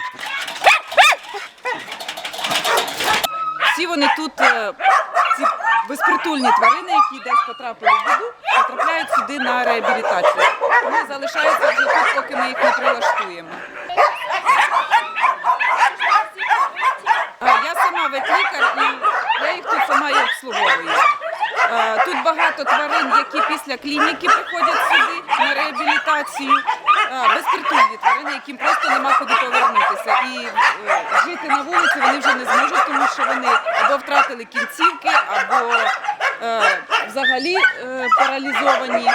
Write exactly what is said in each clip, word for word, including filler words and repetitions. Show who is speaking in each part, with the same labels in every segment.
Speaker 1: Всі вони тут, ці безпритульні тварини, які десь потрапили в біду, потрапляють сюди на реабілітацію. Вони залишаються вже тут, поки ми їх не прилаштуємо. Я сама ветлікар і я їх тут сама і обслуговую. Тут багато тварин, які після клініки приходять сюди на реабілітацію. Безпритульні тварини, яким просто нема куди повернутися. І жити на вулиці вони вже не зможуть, тому що вони або втратили кінцівки, або е, взагалі е, паралізовані.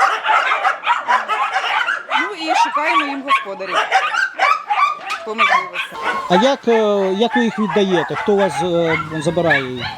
Speaker 1: Ну і шукаємо їм господарів по можливості.
Speaker 2: А як, як ви їх віддаєте? Хто у вас забирає їх?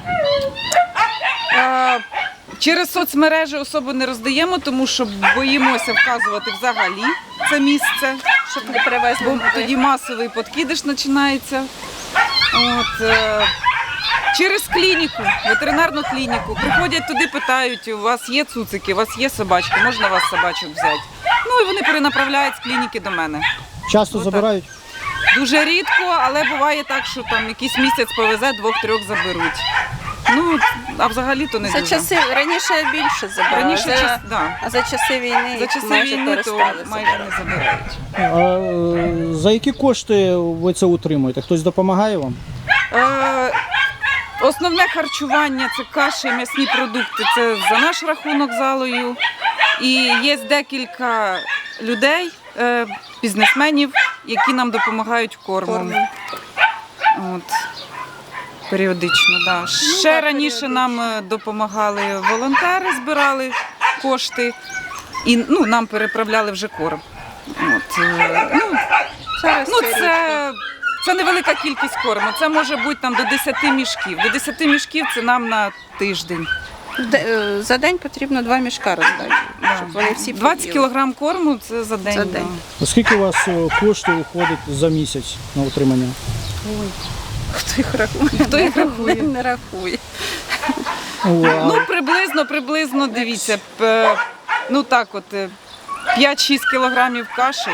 Speaker 1: Е, через соцмережі особо не роздаємо, тому що боїмося вказувати взагалі це місце, щоб не привезли. Бо тоді масовий подкидиш починається. От, е, через клініку, ветеринарну клініку. Приходять туди, питають, у вас є цуцики, у вас є собачки, можна вас собачок взяти. Ну і вони перенаправляють з клініки до мене.
Speaker 2: Часто
Speaker 1: Отак.
Speaker 2: Забирають?
Speaker 1: Дуже рідко, але буває так, що там якийсь місяць повезе, двох-трьох заберуть. Ну, а взагалі-то не
Speaker 3: За
Speaker 1: дуже.
Speaker 3: часи, раніше більше забирали,
Speaker 1: Раніше,
Speaker 3: за,
Speaker 1: час, да.
Speaker 3: а за часи війни
Speaker 1: За часи
Speaker 3: майже
Speaker 1: війни то
Speaker 3: перестали
Speaker 1: майже
Speaker 3: забирати.
Speaker 1: не забирають.
Speaker 2: А, за які кошти ви це утримуєте? Хтось допомагає вам?
Speaker 1: Е, основне харчування – це каші, м'ясні продукти, це за наш рахунок залою. І є декілька людей, е, бізнесменів, які нам допомагають кормом. От. Періодично, да. Ще
Speaker 3: так,
Speaker 1: раніше
Speaker 3: періодично.
Speaker 1: нам е, допомагали волонтери, збирали кошти і ну, нам переправляли вже корм. От, е, ну,
Speaker 3: Зараз
Speaker 1: ну,
Speaker 3: це
Speaker 1: це, це невелика кількість корму, це може бути там, до десяти мішків. До десяти мішків це нам на тиждень.
Speaker 3: Де- е, За день потрібно два мішка роздати, щоб вони всі
Speaker 1: двадцять
Speaker 3: поїли.
Speaker 1: кілограм корму це за день.
Speaker 3: За
Speaker 1: да.
Speaker 3: день.
Speaker 2: А скільки у вас е, коштів уходить за місяць на утримання?
Speaker 3: Хто їх рахує?
Speaker 1: Хто їх рахує?
Speaker 3: Не рахує.
Speaker 2: О, а
Speaker 1: Ну, приблизно, приблизно, дивіться, п- ну так от, е, п'ять-шість кілограмів каші,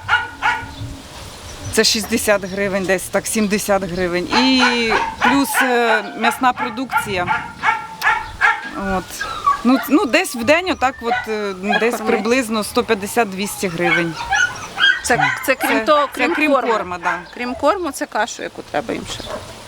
Speaker 1: це шістдесят гривень десь, так, сімдесят гривень. І плюс е, м'ясна продукція. От. Ну, ну, десь в день, отак от, е, десь
Speaker 3: Покормити.
Speaker 1: приблизно сто п'ятдесят-двісті гривень.
Speaker 3: Це, це крім
Speaker 1: Це-
Speaker 3: того,
Speaker 1: це
Speaker 3: крім,
Speaker 1: крім
Speaker 3: корму.
Speaker 1: корма, да.
Speaker 3: Крім корму, це кашу, яку треба їм ще дати.